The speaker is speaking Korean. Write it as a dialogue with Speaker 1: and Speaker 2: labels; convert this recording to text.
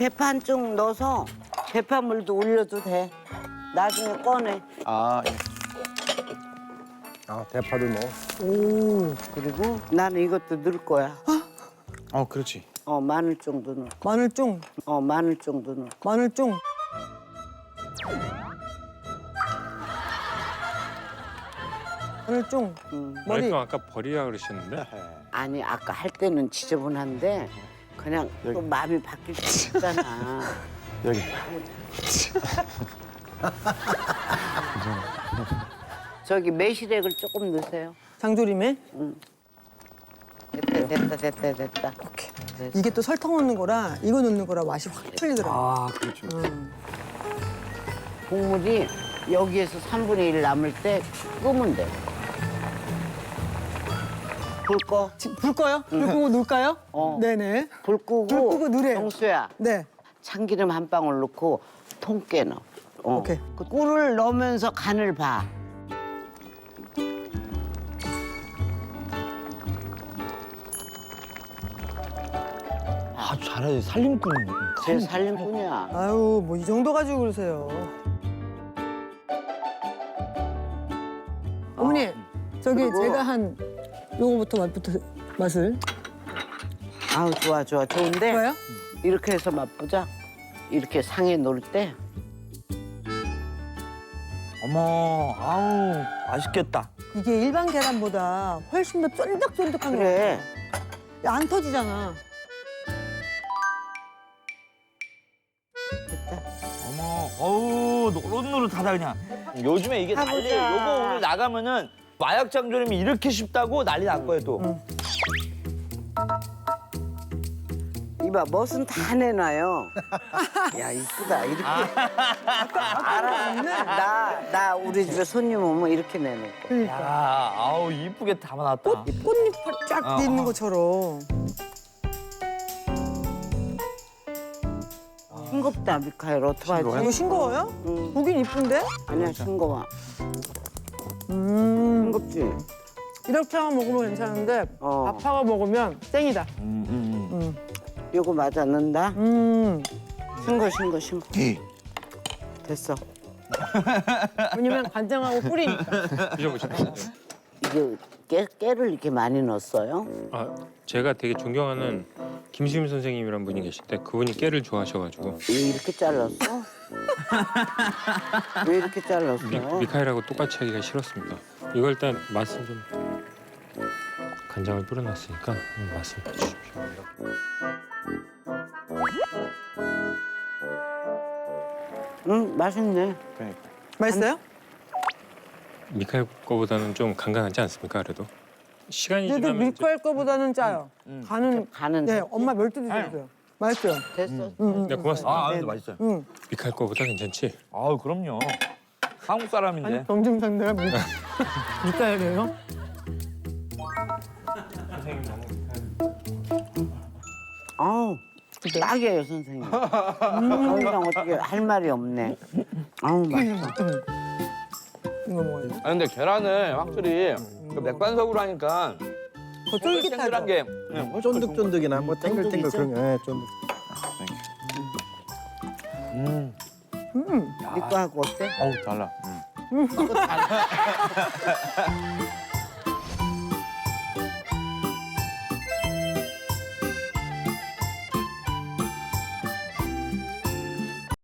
Speaker 1: 대파 한 쪽 넣어서 대파물도 올려도 돼. 나중에 꺼내.
Speaker 2: 아, 예.
Speaker 3: 아, 대파도 넣어.
Speaker 4: 오,
Speaker 1: 그리고 나는 이것도 넣을 거야.
Speaker 2: 그렇지.
Speaker 1: 마늘 정도 넣어.
Speaker 4: 마늘쫑,
Speaker 1: 마늘 정도 넣어.
Speaker 4: 마늘쫑. 마늘쫑. 머리.
Speaker 5: 말씀 아까 버리라 그러셨는데
Speaker 1: 아니 아까 할 때는 지저분한데 그냥 또
Speaker 2: 여기.
Speaker 1: 마음이 바뀔 수 있잖아.
Speaker 2: 여기.
Speaker 1: 저기 매실액을 조금 넣으세요.
Speaker 4: 장조림에.
Speaker 1: 됐다.
Speaker 4: 오케이.
Speaker 1: 됐어.
Speaker 4: 이게 또 설탕 넣는 거라 이거 넣는 거라 맛이 확 틀리더라고.
Speaker 2: 아, 그렇죠.
Speaker 1: 국물이 여기에서 3분의 1 남을 때 끄면 돼. 불 꺼.
Speaker 4: 불 꺼요? 불 끄고 넣을까요? 네네.
Speaker 1: 불 끄고.
Speaker 4: 불 끄고 누래요.
Speaker 1: 정수야.
Speaker 4: 네.
Speaker 1: 참기름 한 방울 넣고 통깨 넣어.
Speaker 4: 오케이.
Speaker 1: 그 꿀을 넣으면서 간을 봐.
Speaker 2: 아주 잘하지. 살림꾼.
Speaker 1: 제 살림꾼이야.
Speaker 4: 아유, 뭐 이 정도 가지고 그러세요. 어머니, 저기
Speaker 1: 그리고-
Speaker 4: 제가 한 요거부터 맛을.
Speaker 1: 아우 좋은데
Speaker 4: 좋아요?
Speaker 1: 이렇게 해서 맛보자. 이렇게 상에 놓을 때
Speaker 2: 어머, 아우, 맛있겠다.
Speaker 4: 이게 일반 계란보다 훨씬 더 쫀득쫀득한 거
Speaker 1: 그래.
Speaker 4: 같아. 안 터지잖아.
Speaker 1: 됐다.
Speaker 2: 어머, 어우, 노릇노릇하다 그냥. 요즘에 이게
Speaker 1: 해보자.
Speaker 2: 난리예요. 요거 오늘 나가면은 마약 장조림이 이렇게 쉽다고 난리 날 거예요 또.
Speaker 1: 이봐 멋은 다 내놔요. 야 이쁘다 이렇게. 알아. 나 우리 집에 손님 오면 이렇게 내놓을 거야.
Speaker 4: 그러니까.
Speaker 2: 야, 아우 이쁘게 담아놨다.
Speaker 4: 꽃잎 쫙 돼 있는 것처럼.
Speaker 1: 싱겁다 미카엘 어떡하지?
Speaker 4: 이거 싱거워요?
Speaker 1: 응.
Speaker 4: 보긴 이쁜데?
Speaker 1: 아니야 싱거워.
Speaker 4: 음.
Speaker 1: 싱겁지?
Speaker 4: 이렇게만 먹으면 괜찮은데
Speaker 1: 어.
Speaker 4: 아파가 먹으면 땡이다.
Speaker 1: 요거 맞아 넣는다. 싱거.
Speaker 2: 예.
Speaker 1: 됐어.
Speaker 4: 왜냐면 간장하고 꿀이니까.
Speaker 5: 드셔보셨나요?
Speaker 1: 이게 깨를 이렇게 많이 넣었어요?
Speaker 5: 아 제가 되게 존경하는 김수임 선생님이란 분이 계신데 그분이 깨를 좋아하셔가지고
Speaker 1: 왜 이렇게 잘랐어? 왜 이렇게 잘랐어?
Speaker 5: 미카엘하고 똑같이 하기가 싫었습니다. 이거 일단 맛은 좀 간장을 뿌려놨으니까 맛을 봐주십시오.
Speaker 1: 응 맛있네.
Speaker 2: 그러니까.
Speaker 4: 맛있어요?
Speaker 5: 미카엘 거보다는 좀 간간하지 않습니까? 그래도 시간이
Speaker 4: 그래도
Speaker 5: 지나면 이제
Speaker 4: 밀가루 거보다는 짜요. 간은 네,
Speaker 1: 됐어.
Speaker 4: 엄마 멸도 드셨어요. 맛있어요.
Speaker 1: 됐어.
Speaker 5: 네, 고맙습니다.
Speaker 2: 아, 근데 맛있어요.
Speaker 4: 응.
Speaker 5: 미카엘 거보다 괜찮지?
Speaker 2: 아우 그럼요. 한국 사람인데.
Speaker 4: 아니 경증상대가 밀가루예요?
Speaker 1: 아우 딱이에요 선생님. 더 이상 어떻게 할 말이 없네. 아우 맛있어.
Speaker 4: 이거 먹어요.
Speaker 2: 아 근데 계란을 확실히 그 맥반석으로 하니까
Speaker 4: 더
Speaker 2: 탱글한
Speaker 4: 쫄깃하죠.
Speaker 2: 게
Speaker 3: 쫀득쫀득이나 뭐 탱글탱글
Speaker 1: 쫀득이죠?
Speaker 3: 그런 거. 예, 쫀득.
Speaker 1: 이거 하고 어때?
Speaker 2: 어우 달라.